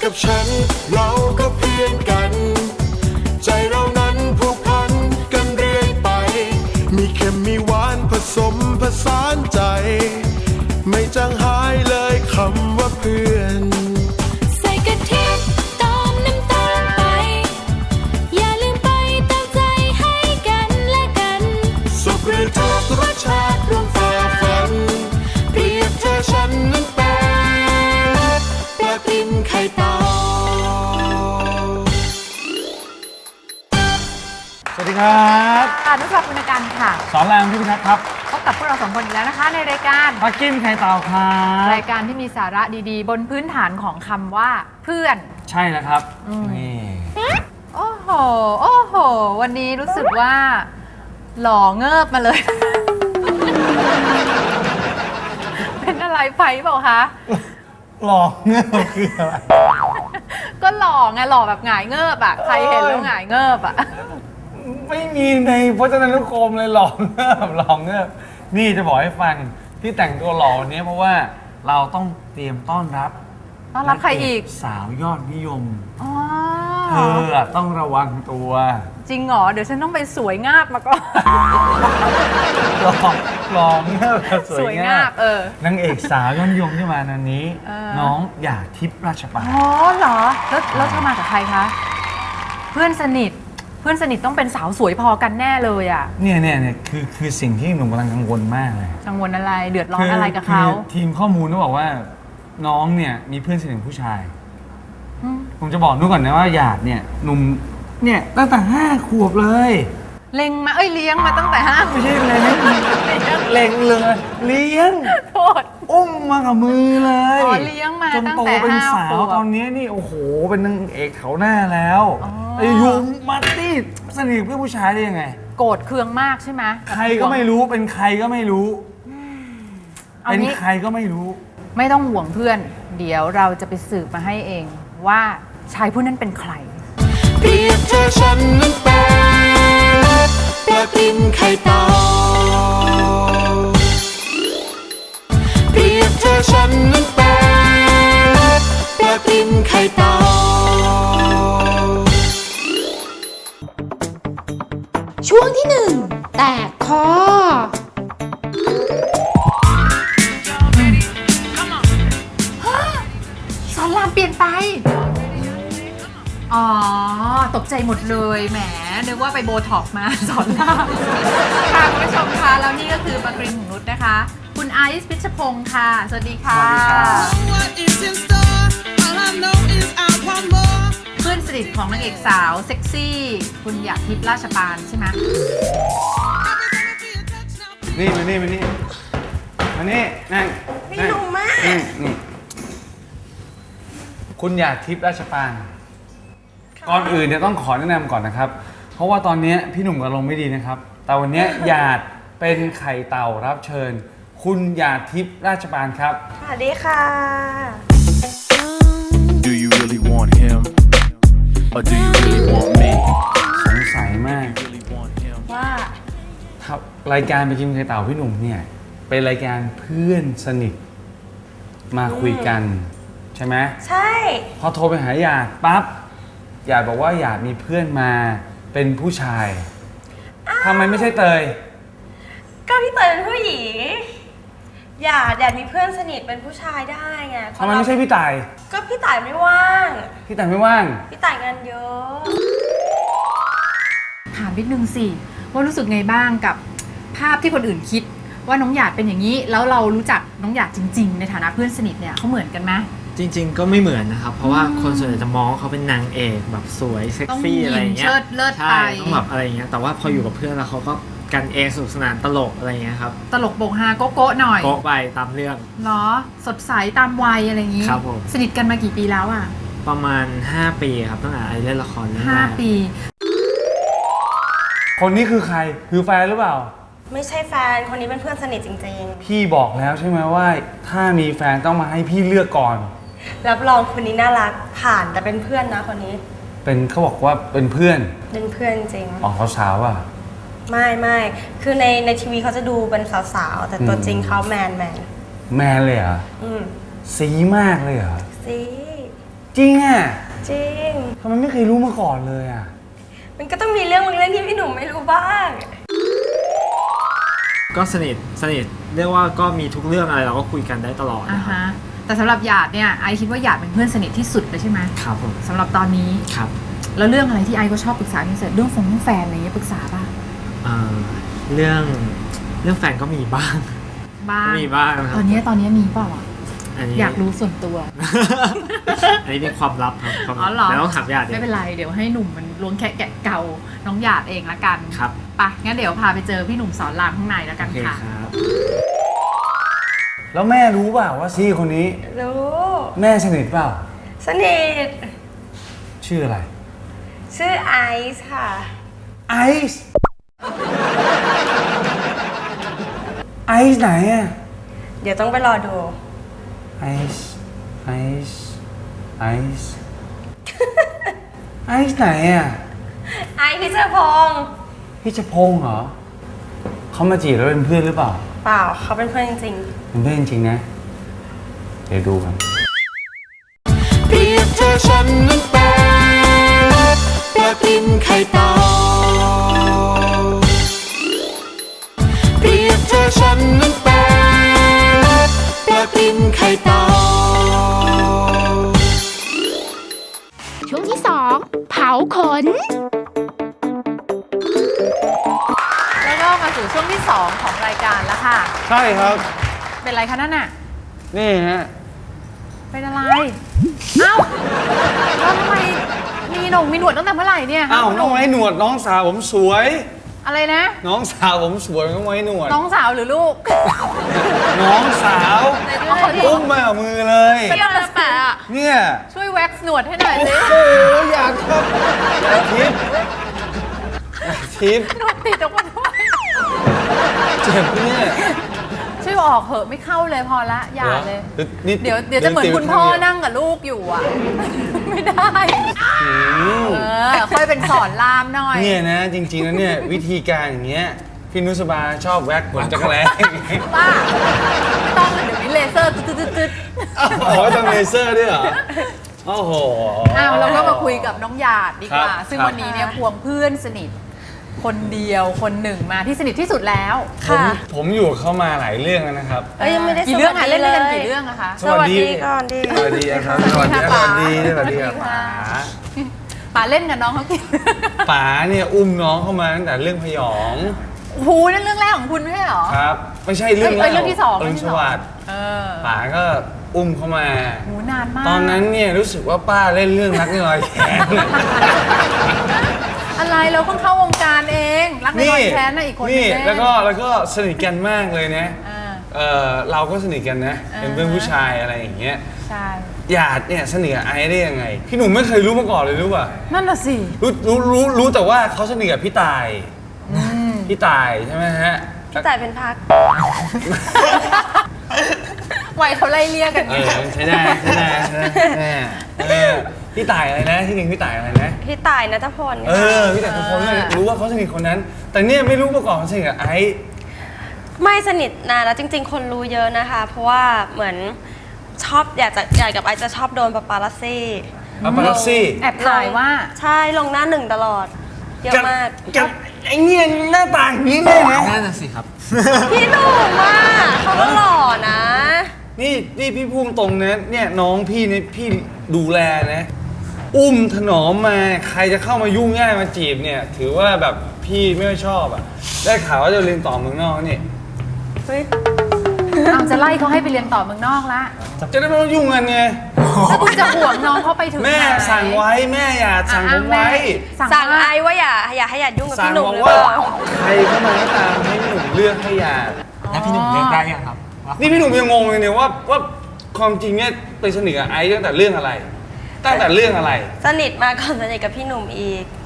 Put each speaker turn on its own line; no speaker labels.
กับฉันเราก็เพื่อนกันใจเรานั้นผูกพันกันเรื่อยไปมีเค็มมีหวานผสมผสานใจไม่จางหายเลยคำว่าเพื่อน
ใส่กะทิตามน้ำตาลไปอย่าลืมไปตามใจให้กันและกัน
สุขหรือทุกข์รสชาติร่วมฝ่าฟันเปรียบเธอฉันนั้นเป็นปลาติมไข่เต่า
สวัสดีครับ
ค่ะนุชาคุณกันค่ะ
สอนรามพี่พิทักษ์ครับ
พบกับพวกเราสองคนอีกแล้วนะคะในรายการ
ปลากิ้มไข่เต่าครับ
รายการที่มีสาระดีๆบนพื้นฐานของคำว่าเพื่อน
ใช่แล้วครับนี่
โอ้โหโอ้โหวันนี้รู้สึกว่าหล่อเงิบมาเลย เป็นอะไรไปเปล่าคะ
หล่อเงิบคืออะไร
ก็หล่อไงหล่อแบบหงายเงิบอ่ะใครเห็นแล้วหงายเงิบอ่ะ
ไม่มีในพจนานุกรมเลยหล่อเงิบหล่อเงิบนี่จะบอกให้ฟังที่แต่งตัวหล่อวันนี้เพราะว่าเราต้องเตรียมต้อนรับ
ใครอีก
สาวยอดนิยมเธอต้องระวังตัว
จริงเหรอเดี๋ยวฉันต้องไปสวยงาบมาก่อน
หล่อเงิบสวยงาบนางเอกสาวยอดนิยมที่มานันนี้น้องหยาดทิพย์ราชปาน
อ๋อเหรอแล้วเธอมากับใครคะเพื่อนสนิทต้องเป็นสาวสวยพอกันแน่เลยอ่ะ
เนี่ยคือสิ่งที่หนุ่มกำลังกังวลมากเลย
กังวลอะไรเดือดร้อนอะไรกับเขา
ทีมข้อมูลเขาบอกว่าน้องเนี่ยมีเพื่อนสนิทผู้ชายผมจะบอกนุ่นก่อนนะว่าหยาดเนี่ยหนุ่มเนี่ยตั้งแต่5 ขวบเลย
เลี้ยงมาตั้งแต่5
ไม่ใช่เล็งเลยเลี้ยง
โทษ
อุ้มมากับมือเลย
เลี้ยงมา
จนโตเป็นสาวตอนนี้นี่โอ้โหเป็นนางเอกแถวหน้าแล้วอยู่มาตี้สนิทเพื่อนผู้ชายได้ยังไง
โกรธเคืองมากใช่ไหม
ใครก็ไม่รู้เป็นใครก็ไม่รู้เป็นใครก็ไม่รู้
ไม่ต้องห่วงเพื่อนเดี๋ยวเราจะไปสืบมาให้เองว่าชายผู้นั้นเป็นใคร
เปรียบเธอฉันนั้นเป็นปลาติมไข่เต่าเปรียบเธอฉันนั้นเป็นปลาติมไข่เต่า
ช่วงที่1แตกคอ
สอนรามเปลี่ยนไปอ๋อตกใจหมดเลยแหมนึกว่าไปโบท็อกมาสอนรามค่ะคุณผู้ชมคะแล้วนี่ก็คือปากริมของนุชนะคะคุณไอซ์พิชพงศ์ค่ะสวัสดีค่ะเพื่อนสนิทของนางเอกสาวเซ็กซี่คุณหยาดทิพย์ราชปานใช่ไหม
นี่มานี่นั่ง
ไม่รู้มาก
นี่คุณหยาดทิพย์ราชปานก่อนอื่นเนี่ยต้องขอแนะนำก่อนนะครับเพราะว่าตอนนี้พี่หนุ่มอารมณ์ไม่ดีนะครับแต่วันนี้หยาดเป็นไข่เต่ารับเชิญคุณหยาดทิพย์ราชปานครับ
สวัสดีค่ะ
Do you really want him or do you really want me
สงสัยมาก
ว่
ารายการไปกินไข่เต่าพี่หนุ่มเนี่ยเป็นรายการเพื่อนสนิทมาคุยกันใช่ไหม
ใช่
พอโทรไปหาหยาดปั๊บหยาดบอกว่าหยาดมีเพื่อนมาเป็นผู้ชายทำไมไม่ใช่เตย
ก็พี่เตยเป็นผู้หญิงหยาดมีเพื่อนสนิทเป็นผู้ชายได้ไง
ทำไมไม่ใช่พี่ต่าย
ก็พี่ต่ายไม่ว่าง
พี่ต่ายไม่ว่าง
พี่ต่ายงานเยอะ
ถามนิดนึงสิว่ารู้สึกไงบ้างกับภาพที่คนอื่นคิดว่าน้องหยาดเป็นอย่างนี้แล้วเรารู้จักน้องหยาดจริงๆในฐานะเพื่อนสนิทเนี่ยเขาเหมือนกันไหม
จริงๆก็ไม่เหมือนนะครับเพราะว่าคนส่วนใหญ่จะมองเขาเป็นนางเอกแบบสวยเซ็กซี่อะไรอย่างเงี้ย
ใช่
ต้องแบบอะไรอย่างเงี้ยแต่ว่าพออยู่กับเพื่อนแล้วเขาก็กันเองสนุกสนานตลกอะไรอย่างเงี้ยครับ
ตลกโปกฮาโก๊ะหน่อย
โก๊ะไปตามเรื่อง
เนาะสดใสตามวัยอะไรอย่างงี้
ครับผม
สนิทกันมากี่ปีแล้วอ่ะ
ประมาณ5 ปีครับตั้งแต่ไอเล่นละครเรื่องแรก
5 ปี
คนนี้คือใครคือแฟนหรือเปล่า
ไม่ใช่แฟนคนนี้เป็นเพื่อนสนิทจริง
ๆพี่บอกแล้วใช่ไหมว่าถ้ามีแฟนต้องมาให้พี่เลือกก่อน
รับรองคนนี้น่ารักผ่านแต่เป็นเพื่อนนะคนนี้
เป็นเขาบอกว่าเป็นเพื่อน
จริง
อ๋อเขาสาวอ่ะ
ไม่คือในทีวีเขาจะดูเป็นสาวๆแต่ตัวจริงเขาแมน
เลยเหรอสีมากเลยเหรอ
สี
จริงอ่ะ
จริง
ทำไมไม่เคยรู้มาก่อนเลยอ่ะ
มันก็ต้องมีเรื่องบางเรื่องที่พี่หนุ่มไม่รู้บ้าง
ก็สนิทเรียกว่าก็มีทุกเรื่องอะไรเราก็คุยกันได้ตลอด
อ่า
นะครับ
ฮะแต่สำหรับหยาดเนี่ยไอคิดว่าหยาดเป็นเพื่อนสนิทที่สุดเลยใช่ไหม
ครับผม
สำหรับตอนนี้
ครับ
แล้วเรื่องอะไรที่ไอก็ชอบปรึกษาที่สุดเรื่องแฟนอะไรเงี้ยปรึกษาป่ะ
เรื่องแฟนก็มีบ้าง
บ้าง
ก็มีบ้างครับ
ตอนนี้มีเปล่าอ่ะ
อันนี้
อยากรู้ส่วนตัว
อันนี้เป็นความลับครับความ
อ๋
ลั
อบ เหรอ
แล้วต้องถามญาติ
ไม่เป็นไรเดี๋ยวให้หนุ่มมันล้วงแคะแกะเกาน้องหยาดเองละกัน
ครับ
ไปงั้นเดี๋ยวพาไปเจอพี่หนุ่มสอนรามข้างในแล้วกั
โอน เค
ค่ะ
ครับ
แล้วแม่รู้เปล่าว่าซี่คนนี้
รู้
แม่สนิทเปล่า
สนิท
ชื่ออะไร
ชื่อไอซ์ค่ะ
ไอซ์ไอซ์ไหนอ่ะ
เดี๋ยวต้องไปรอดู
ไอซ์ไอซ์ไอซ์ไอซ์ไหนอ่ะ
ไอซ์พิชพงศ์
พี่ชพงษ์เหรอเขามาจีบแล้วเป็นเพื่อนหรือเปล่า
เปล่าเขาเป็นเพื่อนจริง
เป็นเพื่อนจริงๆนะ เดี๋ยวดูกัน
เปรียบเธอฉันนั้นเป็นปลากินไข่เต่าเปรียบเธอฉันนั้นเป็นปลากินไข่เต่า
ช่วงที่ 2 เผาขน
แล้วก็มาสู่ช่วงที่ 2 ของรายการแล้วค่ะ
ใช่ครับ
เป็นไรคะนั่นน่ะ
นี่ฮะ
เป็นอะไร เอ้าแล้วทำไมมีหนงมีหนวดตั้งแต่เมื่อไหร่เนี่ย
อ้าว
คุณ
น้องไว้หนวดน้องสาวผมสวย
อะไรนะ
น้องสาวผมสวยน้องไว้หนวด
น้องสาวหรือลูก
น้องสาว
เอาขอโท
อุ้
ษ
มมากับมือเลย
เปรี้ยวแล้วแปะอะ
เนี่ย
ช่วยแว็กซ์หนวดให้หน่อยสิ
โอ้ยอยากครับอยากทิพย์อยากทิพย์
หนวดติดออกมาด้วย
เจ็บปะเนี่ย
ช่วยออกเหอะไม่เข้าเลยพอละอย่าเลย
นี่
เดี๋ยวจะเหมือนคุณพ่อนั่งกับลูกอยู่อ่ะ ไม่ได้ ค่อยเป็นสอนรามหน่อย
เนี่ยนะจริงๆแล้วเนี่ยวิธีการอย่างเงี้ยพี่นุสบาชอบแว็กขนจักรแล้
ป้าไม่ต้องเลยเดี๋ยวนี้เลเซอร์ตึ๊ด
อ๋อต้องเลเซอร์ด้วยเหรอโอ้โห
อ้าวเราก็มาคุยกับน้องหยาดดีกว่า
ครับ
ซึ่งวันนี้เนี่ยควงเพื่อนสนิท คนเดียวคนหนึ่งมาที่สนิทที่สุดแล้ว
ผมอยู่กับเขามาหลายเรื่องแล้วนะครับ
เอ้ยยังไม่ได้
กี่เรื่อง
ส
คะ
วัสดี
เล่นด้วยกัน
เลย
กี่เรื่องอะคะ
สวัสดีก่อนดิ
สวัสดีครับสวัสดีครับสวัสดีสวัสดีครับป๋า
ป๋าเล่นกับน้องเขากี่
ป๋าเนี่ยอุ้มน้องเข้ามาตั้งแต่เรื่องพยอง
โอ้โหนั่นเรื่องแรกของคุณไม่ใช่เหรอ
ครับ ไม่ใช่เรื่อง
เรื่องที่สอง
เรื่องสวัสดิ์
เออ
ป๋าก็อุ้มเข้ามา
โหนานมาก
ตอนนั้นเนี่ยรู้สึกว่าป้าเล่นเรื่องรักในรอยแขน
อะไรเราเพิ่งเข้าวงการเองรักในรอยแค้นนะอีกคน
นี่
นึง
แล้วก็สนิทกันมากเลยนะ
อ่า
เราก็สนิทกันนะ เป็นเพื่อนผู้ชายอะไรอย่างเงี้ย
ใช่
หยาดเนี่ยสนิทกับไอซ์ได้ยังไง พี่หนุ่มไม่เคยรู้มาก่อนเลยรู้ป่ะ
นั่นน่ะสิ
รู้แต่ว่าเขาสนิทกับพี่ตายพี่ตายใช่ไหมฮะ
พี่ต่ายเป็นพัก
ไวยเขาไล่เลี่ยกัน
เอ
ไง
อใช้ได้ใช้ได้ใช้ได้พี่ตายอะไรนะที่หนึ่งพี่ตายอะไรนะ
พี่ต่ายนัทพล
เออพี่ตายทุกคนรู้ว่าเขาสนิทคนนั้น แต่เนี่ยไม่รู้มาก่อนเขาสนิทกับไอซ์
ไม่สนิทนะแล้วจริง ๆ คนรู้เยอะนะคะ เพราะว่าเหมือนชอบอยากกับไอซ์จะชอบโดนปาปารัสซี่
ปาปารัสซี่
แอบถ่ายว่า
ใช่ลงหน้าหนึ่งตลอด เยอะมาก
กับไอเนี่ยหน้าตาอย่างนี้เลยนะ
นั่นน่ะสิครับ
พี่หนุ่มอ่ะเขาก็หล่อนะ
นี่พี่พูดตรงนะเนี่ยน้องพี่เนี่ยพี่ดูแลนะ อุ้มถนอมมาใครจะเข้ามายุ่งง่ายมาจีบเนี่ยถือว่าแบบพี่ไม่ค่อยชอบอ่ะได้ข่าวว่าจะเรียนต่อเมืองนอกนี่
เฮ้ย
เอาจะไล่เขาให้ไปเรียนต่อเมืองนอกละ
จะได้ไม่ต้องยุ่งกันไง
แล้วคุณจะห่วงน้องเขาไปถึง
แม่
ไหน
สั่งไว้แม่อย่าสั่งผมไว้
สั่ง
ว่า
ไอว่าอย่าให้หยาดยุ่งกับ
สั่ง
พี่หนุ่
บ
ม
อก
หรือ
ว่า
เปล่า
ใครเข้ามาก็ตามให้พี่หนุ่มเลือกให้อย่า
แล้วพี่หนุ่มเลือกได้ยังครับว่า
นี่พี่หนุ่มยังงงเลยเนี่ยว่าความจริงเนี่ยไปสนิทกับไอซ์ตั้งแต่เรื่องอะไร ตั้งแต่เรื่องอะไร
สนิทมาก่อนสนิทกับพี่หนุ่มอีก